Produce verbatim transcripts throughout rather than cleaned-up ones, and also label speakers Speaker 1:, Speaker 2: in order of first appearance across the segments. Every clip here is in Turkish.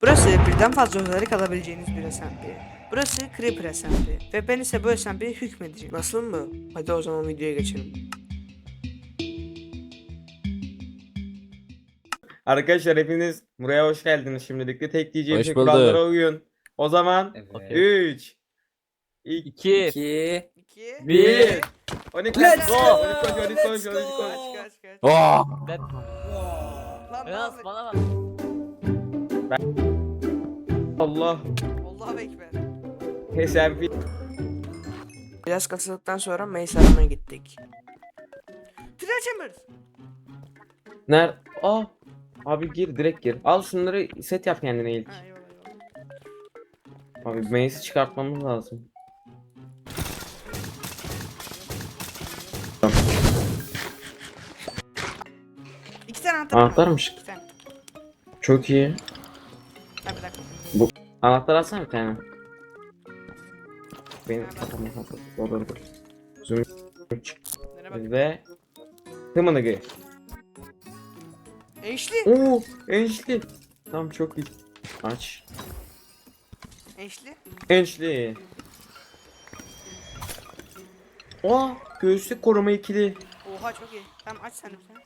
Speaker 1: Burası birden fazla olarak alabileceğiniz bir S M P. Burası Creeper S M P ve ben ise bu S M P'ye hükmedeceğim. Nasıl mı? Hadi o zaman videoya geçelim.
Speaker 2: Arkadaşlar hepiniz buraya hoş geldiniz. Şimdilik de tek diyeceğim
Speaker 3: Hoş
Speaker 2: şey
Speaker 3: bulduk.
Speaker 2: kurallara uyun. O zaman
Speaker 4: Evet.
Speaker 2: üç iki
Speaker 3: iki
Speaker 4: İki.
Speaker 1: iki
Speaker 2: bir on iki
Speaker 4: Let's
Speaker 2: go.
Speaker 4: go.
Speaker 2: on iki koş, on iki koş,
Speaker 4: Let's
Speaker 2: on iki
Speaker 4: go.
Speaker 2: koş.
Speaker 1: Kaç kaç kaç.
Speaker 3: Oh!
Speaker 1: Lan ne
Speaker 3: Biraz
Speaker 1: oldu?
Speaker 3: bana bak.
Speaker 2: Allah.
Speaker 1: Allahu Ekber.
Speaker 2: S M P.
Speaker 1: Biraz kasıldıktan sonra Mace aramaya gittik. Three Chambers.
Speaker 2: Ner? Aa. Abi gir direkt gir. Al şunları set yap kendine ilk.
Speaker 1: Ha eyvallah eyvallah.
Speaker 2: Abi Mace'i çıkartmamız lazım.
Speaker 1: İki tane anahtar var.
Speaker 2: Anahtarmış.
Speaker 1: İki tane.
Speaker 2: Çok iyi.
Speaker 1: Ha bir dakika.
Speaker 2: Anahtar alsana bir tane. Benim kafamı kapat. Olur olur. Zoom çık.
Speaker 1: Nereye bak.
Speaker 2: Ve Tımınıgı.
Speaker 1: Enşli.
Speaker 2: Oo, enişli. Tamam çok iyi. Aç.
Speaker 1: Enşli.
Speaker 2: Enişli. Aa, göğüslük koruma ikili.
Speaker 1: Oha çok iyi. Tamam aç sen de bir tane.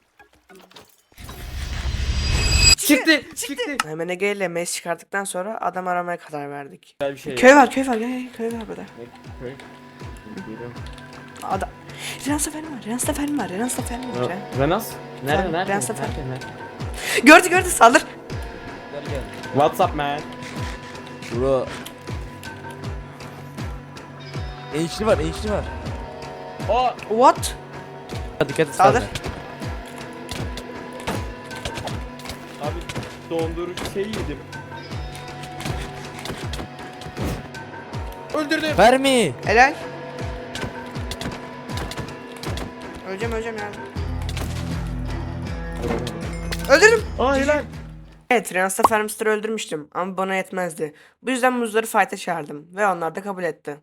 Speaker 2: Çıktı, çıktı.
Speaker 1: Hemen Ege ile Mace çıkarttıktan sonra adam aramaya karar verdik.
Speaker 2: Güzel bir şey.
Speaker 1: Köy var köy var gel gel köy var burada.
Speaker 2: Ne köy? Geliyorum.
Speaker 1: Adam. Renan Seferim var Renan Seferim var Renan Seferim var. Ren.
Speaker 2: Aa, Renas? Nerede,
Speaker 1: Sen-
Speaker 2: nerede?
Speaker 1: ben sefer-
Speaker 2: Nerede, nerede?
Speaker 1: Gördü gördü saldır.
Speaker 4: Gel gel.
Speaker 2: What's up man?
Speaker 3: Bro. Enişli var, enişli var.
Speaker 2: Aa,
Speaker 1: What?
Speaker 3: Dikkat et.
Speaker 1: Saldır.
Speaker 3: sen de.
Speaker 2: abi dondurucu şey yedim. Öldürdüm.
Speaker 3: Fermi.
Speaker 1: Helal. Öleceğim öleceğim ya. Öldürdüm.
Speaker 2: Aa helal.
Speaker 1: Evet Renan Seferimster'ı öldürmüştüm ama bana yetmezdi. Bu yüzden muzları fight'a çağırdım ve onlar da kabul etti.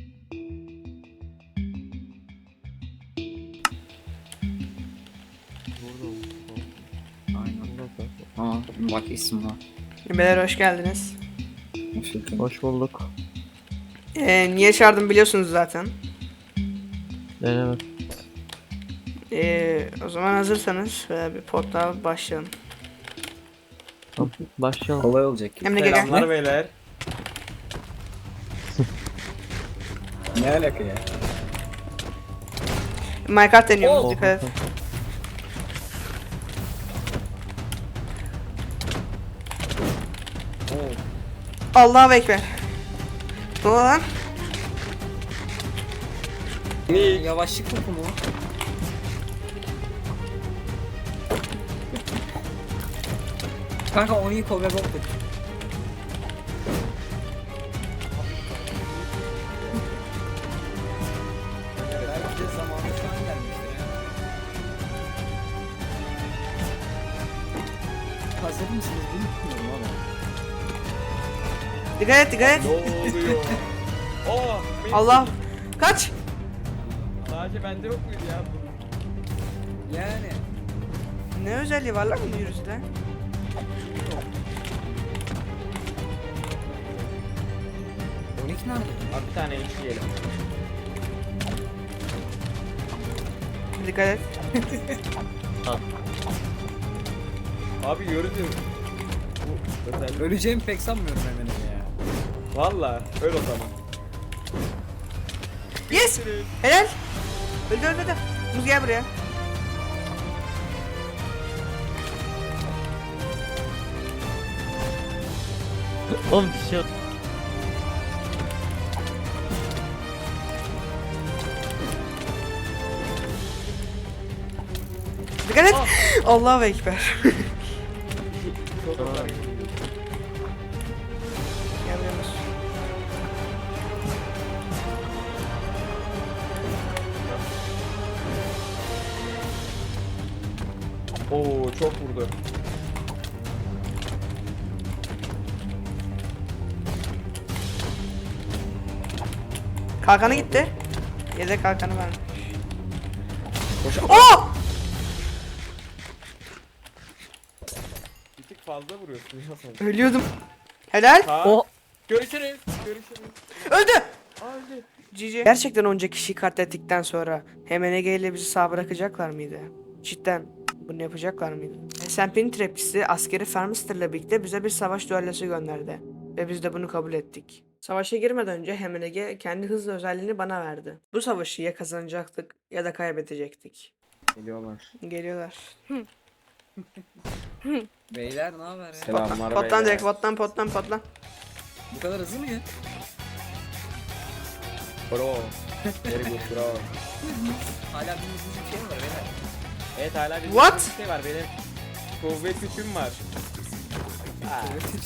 Speaker 4: Aynen. Aa bak isim var.
Speaker 1: Beyler hoş geldiniz.
Speaker 4: Hoş bulduk.
Speaker 3: Hoş bulduk.
Speaker 1: Ee, niye çağırdım biliyorsunuz zaten.
Speaker 3: Evet.
Speaker 1: Ee, o zaman hazırsanız böyle bir portal başlayalım.
Speaker 3: Tamam, başlayalım.
Speaker 4: Kolay olacak.
Speaker 1: Emre gel gel.
Speaker 2: Selamlar beyler.
Speaker 4: Ne alaka ya?
Speaker 1: Minecraft deniyorum
Speaker 4: Oh.
Speaker 1: dikkat et. Allahu Ekber. Ne oldu lan?
Speaker 2: Ne?
Speaker 4: Yavaşlık mı bu? Kanka onu iyi kol ve boktuk. Belki de zamanı şu an gelmiştir ya. Hazır mısınız bilmiyorum ama.
Speaker 1: Dikkat et dikkat et.
Speaker 2: Ne oluyor? Aa, benim-
Speaker 1: Allah. Kaç.
Speaker 2: Sadece bende yok muydu ya bu?
Speaker 4: Yani.
Speaker 1: Ne özelliği var lan bu virüste?
Speaker 4: on iki nerede?
Speaker 2: Abi bir tane işleyelim.
Speaker 1: Dikkat et.
Speaker 2: Abi yürüdüm. Bu özel.
Speaker 4: Öleceğimi pek sanmıyorum hemen ya.
Speaker 2: Valla öl o zaman.
Speaker 1: Yes. Helal. Öldü öldü öldü. Muz gel buraya.
Speaker 3: Oğlum bir şey yok.
Speaker 1: Dikkat et. Allahu Ekber.
Speaker 2: Çok güzel.
Speaker 1: Gel buraya Muz.
Speaker 2: Oo çok vurdu.
Speaker 1: Kalkanı gitti. Yedek kalkanı vermiş.
Speaker 2: Koş.
Speaker 1: Oh!
Speaker 2: Bir tık fazla vuruyorsun ya sen.
Speaker 1: Ölüyordum. Helal.
Speaker 2: Kaan.
Speaker 3: O
Speaker 2: Görüşürüz. Görüşürüz.
Speaker 1: Öldü.
Speaker 2: Öldü.
Speaker 1: Cici. Gerçekten onca kişiyi katlettikten sonra H M N G ile bizi sağ bırakacaklar mıydı? Cidden bunu yapacaklar mıydı? S and P'nin trapçisi askeri Farmister'la birlikte bize bir savaş düellosu gönderdi. Ve biz de bunu kabul ettik. Savaşa girmeden önce H M N G kendi hızlı özelliğini bana verdi. Bu savaşı ya kazanacaktık ya da kaybedecektik.
Speaker 2: Geliyorlar.
Speaker 1: Geliyorlar.
Speaker 4: Beyler ne haber ya?
Speaker 2: Selamlar
Speaker 1: Potlan
Speaker 2: beyler.
Speaker 1: direkt potlan potlan potlan.
Speaker 4: Bu kadar hızlı mı ya?
Speaker 2: Bro. Very good bro.
Speaker 4: Hala bir yüzüncü bir şey mi var beyler?
Speaker 2: Evet hala bir
Speaker 1: What?
Speaker 2: şey var benim. Kuvvet gücüm var. Ha.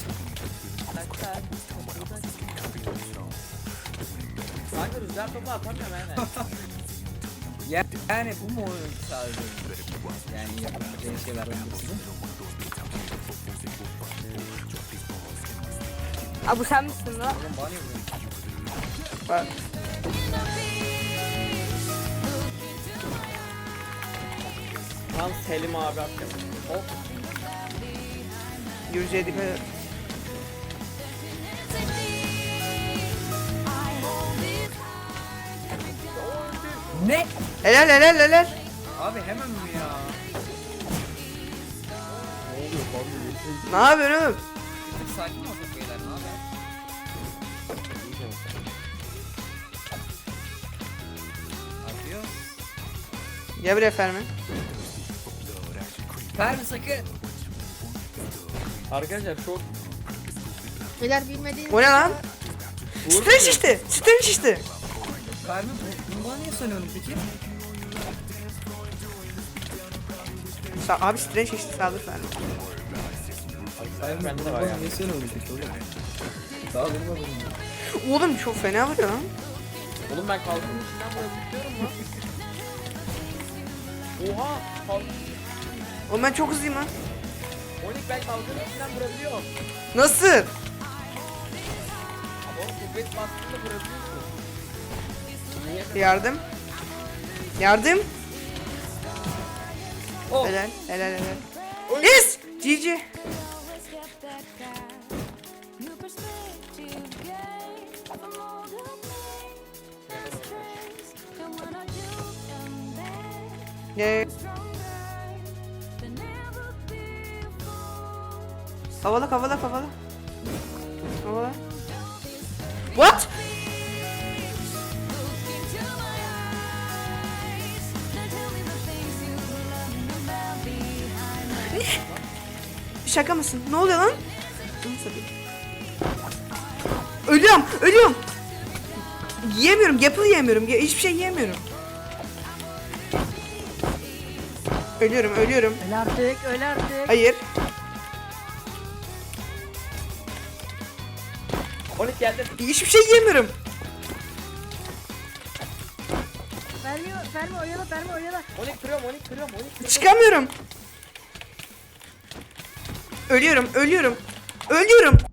Speaker 2: Kanka rüzgar topu atamıyorum hemen.
Speaker 4: Ya, yani bu mu oyun sadece? Yani yapabileceğin şeylerden birisi.
Speaker 5: Aa bu sen misin lan?
Speaker 4: Oğlum bana ne vuruyorsun?
Speaker 1: Bak.
Speaker 2: Tam Selim abi atacağım. Hop.
Speaker 1: Yüzeye dikkat et.
Speaker 4: Ne?
Speaker 1: Helal helal helal.
Speaker 4: Abi hemen mi ya?
Speaker 1: Ne yapıyorsun oğlum?
Speaker 4: Bir tık sakin olsak beyler ne haber? Atıyor.
Speaker 1: Gel buraya Fermi.
Speaker 4: Fermi sakın.
Speaker 2: Arkadaşlar çok
Speaker 5: Beyler bilmediğiniz.
Speaker 1: O ne lan?
Speaker 2: vur.
Speaker 1: Strange işte. Strange işte.
Speaker 4: Fermi bu- bunu bana niye söylüyorsun peki?
Speaker 1: Sa abi Strange işte saldır Fermi.
Speaker 4: Fermi
Speaker 2: Bende de
Speaker 4: bunu
Speaker 2: var
Speaker 4: bana
Speaker 2: ya.
Speaker 4: niye söylüyorsun peki oğlum? Daha durmadım ya.
Speaker 1: Oğlum çok fena vuruyor lan.
Speaker 2: Oğlum ben kalkın içinden vurabiliyorum lan. Oha! Kalk.
Speaker 1: Oğlum ben çok hızlıyım lan.
Speaker 2: Onik ben kalkın içinden vurabiliyorum.
Speaker 1: Nasıl?
Speaker 2: Ama oğlum kuvvet bastığında vurabiliyorsun. Niye?
Speaker 1: Yardım. Yardım.
Speaker 4: Oh.
Speaker 1: Helal helal helal. Yes! G G. Yeah. Havala havala havala. Havala. What? Şaka mısın? Ne oluyor lan? Ölüyorum, ölüyorum. Yiyemiyorum, yapıl yiyemiyorum. Ye- Hiçbir şey yiyemiyorum. Ölüyorum, ölüyorum.
Speaker 5: Öyle artık, öyle artık.
Speaker 1: Hayır.
Speaker 2: Onik geldi.
Speaker 1: Hiçbir şey yiyemiyorum.
Speaker 5: Fermi, Fermi oyala, Fermi oyala.
Speaker 2: Onik kırıyorum, Onik kırıyorum, Onik kırıyorum.
Speaker 1: Çıkamıyorum. Ölüyorum, ölüyorum. Ölüyorum.